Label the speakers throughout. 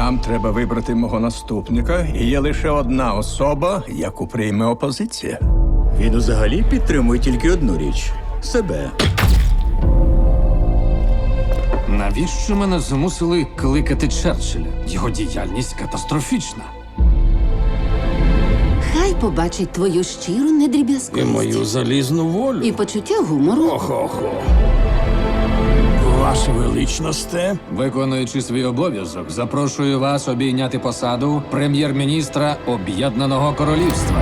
Speaker 1: Нам треба вибрати мого наступника, і є лише одна особа, яку прийме опозиція.
Speaker 2: Він взагалі підтримує тільки одну річ – себе.
Speaker 3: Навіщо мене змусили кликати Черчилля? Його діяльність катастрофічна.
Speaker 4: Хай побачить твою щиру
Speaker 3: І
Speaker 4: недріб'язковість.
Speaker 3: мою залізну волю.
Speaker 4: І почуття гумору.
Speaker 3: Охо-хо.
Speaker 5: Ваше величносте,
Speaker 3: Виконуючи свій обов'язок, запрошую вас обійняти посаду прем'єр-міністра Об'єднаного Королівства.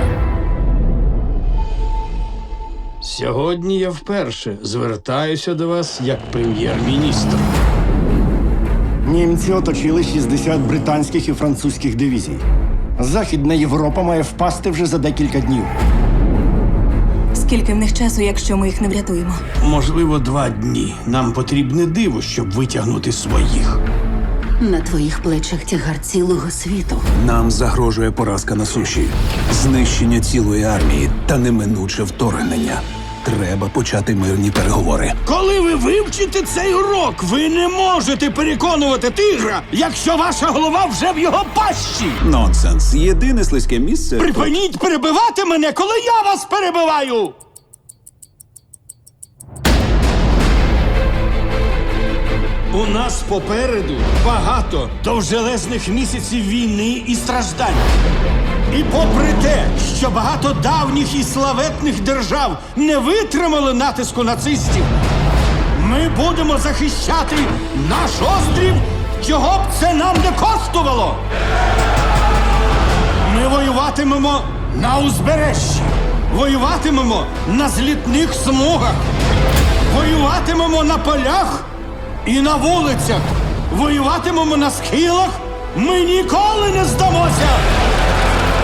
Speaker 5: сьогодні я вперше звертаюся до вас як прем'єр-міністр.
Speaker 6: Німці оточили 60 британських і французьких дивізій. Західна Європа має впасти вже за декілька днів.
Speaker 7: Скільки в них часу, якщо ми їх не врятуємо?
Speaker 5: Можливо, 2 дні. Нам потрібне диво, щоб витягнути своїх.
Speaker 4: На твоїх плечах тягар цілого світу.
Speaker 8: Нам загрожує поразка на суші, знищення цілої армії та неминуче вторгнення. Треба почати мирні переговори.
Speaker 5: Коли ви вивчите цей урок, ви не можете переконувати тигра, якщо ваша голова вже в його пащі.
Speaker 8: Нонсенс. Єдине слизьке місце.
Speaker 5: Припиніть перебивати мене, коли я вас перебиваю! У нас попереду багато довжелезних місяців війни і страждань. І попри те, що багато давніх і славетних держав не витримали натиску нацистів, ми будемо захищати наш острів, чого б це нам не коштувало. Ми воюватимемо на узбережжі, воюватимемо на злітних смугах, воюватимемо на полях і на вулицях, воюватимемо на схилах. Ми ніколи не здамося!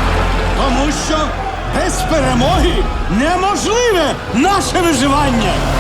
Speaker 5: Тому що без перемоги неможливе наше виживання!